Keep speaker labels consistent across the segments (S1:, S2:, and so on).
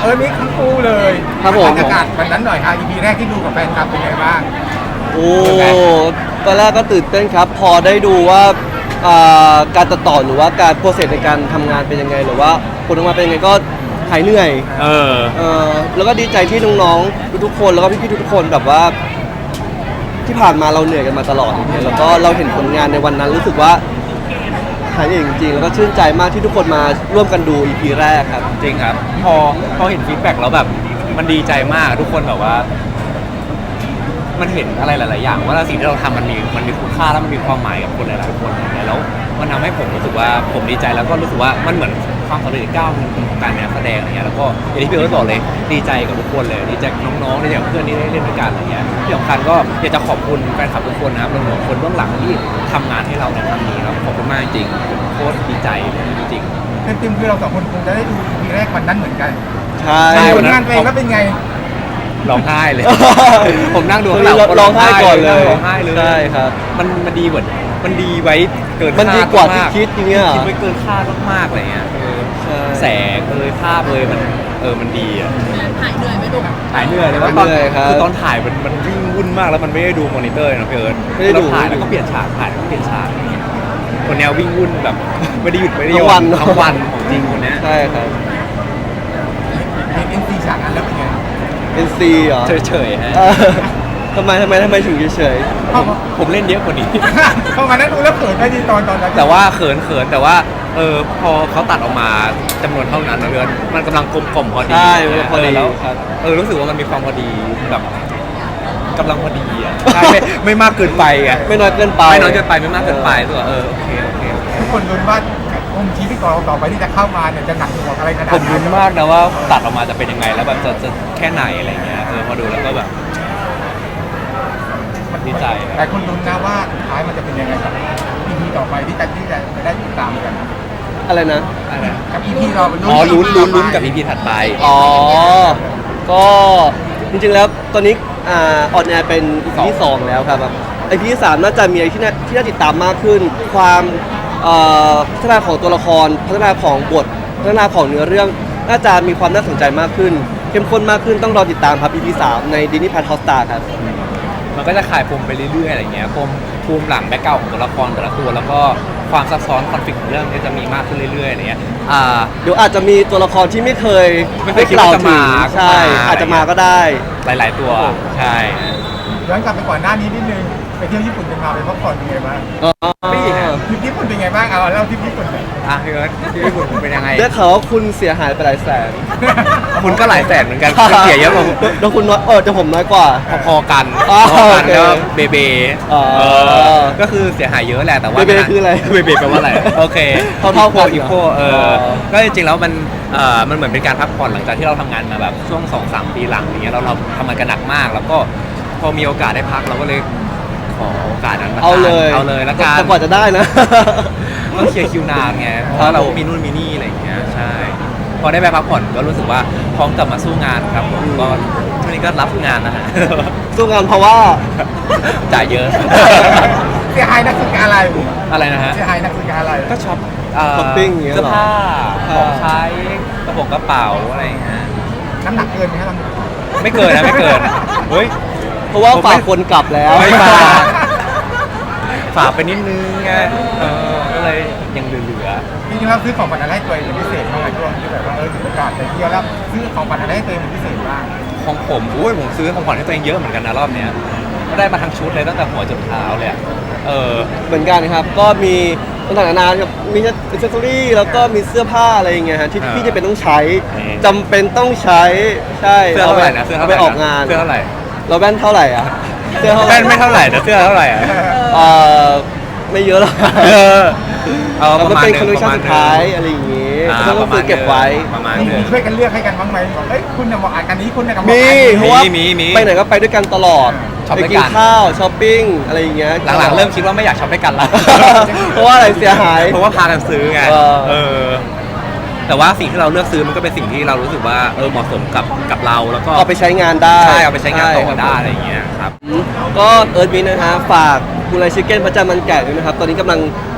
S1: มีทั้งคู่เลย
S2: ครับผม
S1: บรรยากาศวันนั้นหน่อยค่ะ EP แรกที่ดูกับแฟนคลับเป็นไงบ้าง
S2: โอ้ตอนแรกก็ตื่นเต้นครับ พอได้ดูว่าการตัดต่อหรือว่าการโปรเซสในการทำงานเป็นยังไงหรือว่าผลออกมาเป็นยังไงก็หายเหนื่อยแล้วก็ดีใจที่น้องๆทุกๆคนแล้วก็พี่ๆทุกๆคนแบบว่าที่ผ่านมาเราเหนื่อยกันมาตลอดอย่างเงี้ยแล้วก็เราเห็นผลงานในวันนั้นรู้สึกว่าหายเหนื่อยจริงๆแล้วก็ชื่นใจมากที่ทุกคนมาร่วมกันดู EP แรกครับ
S3: จริงครับพอเห็นฟีดแบ็กแล้วแบบมันดีใจมากทุกคนแบบว่า มันเห็นอะไรหลายๆอย่างว่าสิ่งที่เราทำมันมีคุณค่าแล้วมันมีความหมายกับคนหลายๆคนอย่างเงี้ยแล้วมันทำให้ผมรู้สึกว่าผมดีใจแล้วก็รู้สึกว่ามันเหมือนความสำเร็จอีกก้าวหนึงของการเป็นนักแสดงอะไรเงี้ยแล้วก็อย่างที่พี่เอิร์ธบอกเลยดีใจกับทุกคนเลยดีใจกับน้องๆดีใจกับเพื่อนที่ได้เล่นด้วยกันอะไรเงี้ยที่สำคัญก็อยากจะขอบคุณแฟนคลับทุกคนนะครับรวมถึงคนเบื้องหลังที่ทำงานให้เราในครั้งนี้ครับขอบคุณมากจริงๆผมโคตรดีใจเลยจริง
S1: เต็มๆคือเราสองคนคงจะได้ดู EP แรกวันนั้นเหมือนกัน
S2: ใช่
S1: ผลงานเพลงแล้วเป็นไง
S3: ร้องไห้เลย ผมนั่งดูข้างหลัง
S2: ร้องไห้ก่อนเลย
S3: ร้องไห้เลย
S2: ใช่ครับ
S3: มันดีกว่ามันดีไว้เกินคาด
S2: มันดีกว่าที่
S3: ม
S2: คิดอย่างเงี้ย
S3: คิดไว้เกินคาดมากๆอะไรเงี้ย
S2: ใช่
S3: แสงภาพมันดีอ่ะ
S4: หายเหนื่อยไหมลูก
S3: ถ่ายเหนื่อยเลยว่าตอน
S2: เหนื่อยครับ
S3: คือตอนถ่ายมันวิ่งวุ่นมากแล้วมันไม่ได้ดูมอนิเตอร์นะพี่เอิร์ธ
S2: ไม่ได้ดู
S3: เราถ่ายแล้วก็เปลี่ยนฉากถ่ายแล้วก็เปลี่ยนฉากคนแนววิ่งวุ่นแบบไม่ได้หยุดไม่ได้ห
S2: ทั้
S3: ย่
S2: งวั
S3: อน นทั้งวันของจริงคนเนี้ย
S2: ใช่ครับ
S1: เห็น NC ฉากนั้นแล้วเป็นไง
S2: NC เหรอ
S3: เฉยๆฮะ
S2: เออทำไมถึงเฉย
S3: ผมเล่นเยอะกว่านี้
S1: พอมานั้นดูแล้วเขินไหมดีตอนนั้น
S3: แต่ว่าเขินแต่ว่าพอเขาตัดออกมาจำนวนเท่านั้นนะเพื่อนมันกำลังกลมๆพอ
S2: ๆ
S3: ดี
S2: ใช่พอดี
S3: แล้ว
S2: ครับ
S3: รู้สึกว่ามันมีความพอดีแบบกำลังพอดีอ่ะใช่ไม่มากเกินไปอ่ะ
S2: ไม่น้อยเกินไป
S3: ไม่น้อยเกินไปไม่มากเกินไปรู้สึกว่าโอเค
S1: ทุกคนลุ้นว่าองค์ชีวิตของเราต่อไปที่จะเข้ามาเนี่ยจะหนักหน่วงอะไรขนาด
S3: ผมลุ้นมากนะว่าตัดออกมาจะเป็นยังไงแล้วแบบจะแค่ไหนอะไรเงี้ยพอดูแล้วก็แบบดีใจ
S1: แต่คนลุ้นนะว่าสุดท้ายมันจะเป็นยังไงกับ EP ต่อไปที่จะได้ติดตามกัน
S2: อะไรนะ
S1: กับ EP เราเป็น
S3: อ๋อลุ้นกับ EP ถัดไป
S2: อ๋อ ก็จริงๆแล้วตอนนี้ออนแอร์เป็น EP ที่ 2 แล้วครับแบบ EP ที่ 3 น่าจะมีอะไรที่น่าติดตามมากขึ้น ความพัฒนาของตัวละคร พัฒนาของบท พัฒนาของเนื้อเรื่อง น่าจะมีความน่าสนใจมากขึ้น เข้มข้นมากขึ้นต้องรอติดตามครับ EP 3 ใน Disney Plus Hotstar ครับ
S3: มันก็จะขายปมไปเรื่อยๆอะไรเงี้ยภูมิหลังแบ็คเก่าของตัวละครแต่ละตัวแล้วก็ความซับซ้อนคอนฟ lict ของเรื่องก็จะมีมากขึ้นเรื่อยๆอะไรเงี้ย
S2: เดี๋ยวอาจจะมีตัวละครที่ไม่เคย
S3: คิดว่าจะมา
S2: ใช่อาจจะมาก็ได้
S3: หลายๆตัวใช่
S1: ย้อนกลับไปก่อนหน้านี้นิดนึงไปเที่ยวญี่ปุ่นกันมาไปพักผ่อนเป็นไงบ้าง
S3: ปีนะ
S1: ทริปญี่ปุ่นเป็นไงบ้างเอาเล่าทริปญี่ปุ่นหน่อย
S3: พี่เอิร์ธที่ญี่ปุ่นเป็นยังไง
S2: ได้ข่าวว่าคุณเสียหายไปหลายแสน
S3: คุณก็หลายแสนเหมือนกันคุณเสียเยอะกว่า
S2: แล้วคุณน้อยเดี๋ยวผมน้อยกว่า
S3: พอๆกัน
S2: อ๋อ
S3: พอๆกัน
S2: โอเค
S3: ก็เบเบ
S2: อ๋อ
S3: ก็คือเสียหายเยอะแหละแต่ว่า
S2: เบเบคืออะไร
S3: เบเบแปลว่าอะไรโอเค
S2: เท่าๆกัน
S3: อีโค
S2: เหรอ
S3: ก็จริงๆแล้วมันเหมือนเป็นการพักผ่อนหลังจากที่เราทำงานมาแบบช่วง 2-3 ปีหลังอย่างเงี้ยเราทำงานกันหนักมาก แล้วก็พอมีโอกาสได้พักเราก็เลยขอโอกาสนั้นมา
S2: เอาเลย
S3: แล้วกัน
S2: แต่กว่าจะได้นะ
S3: ก็เคลียร์คิวนานไงเพราะว่าเรามีนู่นมีนี่อะไรอย่างเงี้ยใช่พอได้ไปพักผ่อนก็รู้สึกว่าพร้อมกลับมาสู้งานครับผมก็ช่วงนี้ก็รับงานนะฮะ
S2: สู้งานเพราะว่า
S3: จ่ายเยอะ
S1: เสียหายนักศึกษาอะไร
S3: อะไรนะฮะ
S1: เสียหายนักศึกษาอะไร
S3: ก็ช็อป
S2: ช้อปปิ้งอย่างเงี้ย
S3: เสื้อผ้า
S2: เหรอ
S3: ของใช้กระเป๋าอะไรอย่างเงี้ย
S1: น้ำหนักเกินไหมครับ
S3: ไม่เกินนะไม่เกินเฮ้ย
S2: เพราะว่าฝากคนกลับแล้ว
S3: ไม่ฝาก ฝากไปนิดนึงไงก็เลยยังเหลือ
S1: จริงๆแล้วซื้อของขวัญอะไรให้ตัวเองเป็นพิเศษบ้างไหมช่วงที่แบบว่าถึงโอกาสไปเที่ยวแล้วซื้อของขวัญอะไรให้ตัวเองเป็นพิเศษบ้าง
S3: ของผมผมซื้อของขวัญให้ตัวเองเยอะเหมือนกันนะรอบเนี้ยก็ได้มาทั้งชุดเลยตั้งแต่หัวจนเท้าเลยอะ
S2: เหมือนกันครับ ก็มีต่างๆนานาครับมีอิสเซอรี่แล้วก็มีเสื้อผ้าอะไรอย่างเงี้ยฮะที่พี่จะเป็นต้องใช้จำเป็นต้องใช้ใช่
S3: เสื้อเท่าไหร่นะเสื้อ
S2: เอา
S3: เท่าไห
S2: ไป
S3: ร่
S2: ออกงาน
S3: เสื้อเท่าไหร่
S2: เราแว่นเท่าไหร่อ่ะเสื้อเท่าไหร่
S3: แว่นไม่เท่าไหร่แต่เสื้อเท่าไหร่อะ
S2: เอ่อไม่เยอะหรอก
S3: เอา
S2: แล้ว
S3: ป
S2: มัน
S3: ระมาณ
S2: เป็น
S3: ห
S2: คอลเล
S3: นึ่
S2: ค
S3: ง
S2: ชั่นสุดท้ายอะไรอย่างงี้
S3: อ่า
S2: ก็ต้องซื้อเก็บไว้
S3: ประมาณ
S1: มี
S3: หนึ่ง
S1: ช่วยกันเลือกให้กันบ้างไหมบอกเอ้ยคุณน่ะเหมาะอันนี้คุณน่ะกับเห
S2: มี
S1: มาะอันนี้
S2: เพราะว่า
S3: มี
S2: ไปไหนก็ไปด้วยกันตลอด
S3: ช็อป
S2: ไป
S3: ด้วย
S2: กิ
S3: กัน น
S2: ข้าวช้อปปิ้งอะไรอย่างเงี้ย
S3: หลังๆเริ่มคิดว่าไม่อยากช็อปด้วยกันละ
S2: เพราะว่าอะไรเสียหาย
S3: เพราะว่าพากันซื้อไง
S2: เออ
S3: แต่ว่าสิ่งที่เราเลือกซื้อมันก็เป็นสิ่งที่เรารู้สึกว่าเหมาะสมกับเราแล้วก็
S2: เอาไปใช้งานได้
S3: ใช่เอาไปใช้งานต่อ
S2: ครับ
S3: ได้อะไรอย่างเงี้ยครับ
S2: ก็เอิร์ธมินนะฮะฝากบูไลชิคเก้นพระจันทร์มันแก่ด้วยนะครับ ตอนนี้กำลัง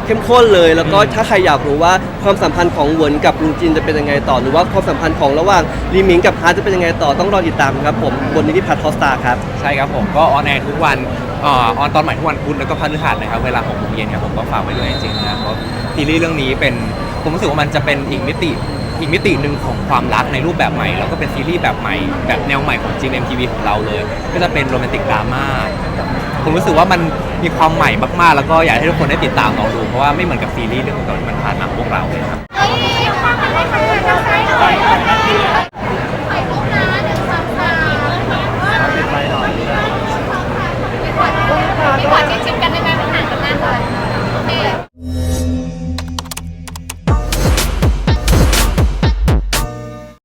S2: เข้มข้นเลย แล้วก็ถ้าใครอยากรู้ว่าความสัมพันธ์ของเหวินกับลุงจินจะเป็นยังไงต่อหรือว่าความสัมพันธ์ของระหว่างลีหมิงกับฮาร์ทจะเป็นยังไงต่อต้องรอติดตามครับผมบนนิติพัฒน์ฮอสตาครับ
S3: ใช่ครับผมก็ออนแอร์ทุกวันออนตอนใหม่ทุกวันพุธแล้วก็พฤหัสนะครับเวลา6 โมงเย็นครับผมก็ฝากไว้ด้วยจริงๆนะเพราะซีรีส์เรื่องนี้เป็นผมรู้สึกว่ามันจะเป็นอีกมิติหนึ่งของความรักในรูปแบบใหม่แล้วก็เป็นซีรีส์แบบใหม่แบบแนวใหม่ของ GMMTV ของเราเลย ก็จะเป็นโรแมนติกดราม่าผมรู้สึกว่ามันมีความใหม่มากๆ แล้วก็อยากให้ทุกคนได้ติดตามลองดูเพราะว่าไม่เหมือนกับซีรีส์เรื่องก่อนๆที่มันผ่านมาของพวกเราเลยครับ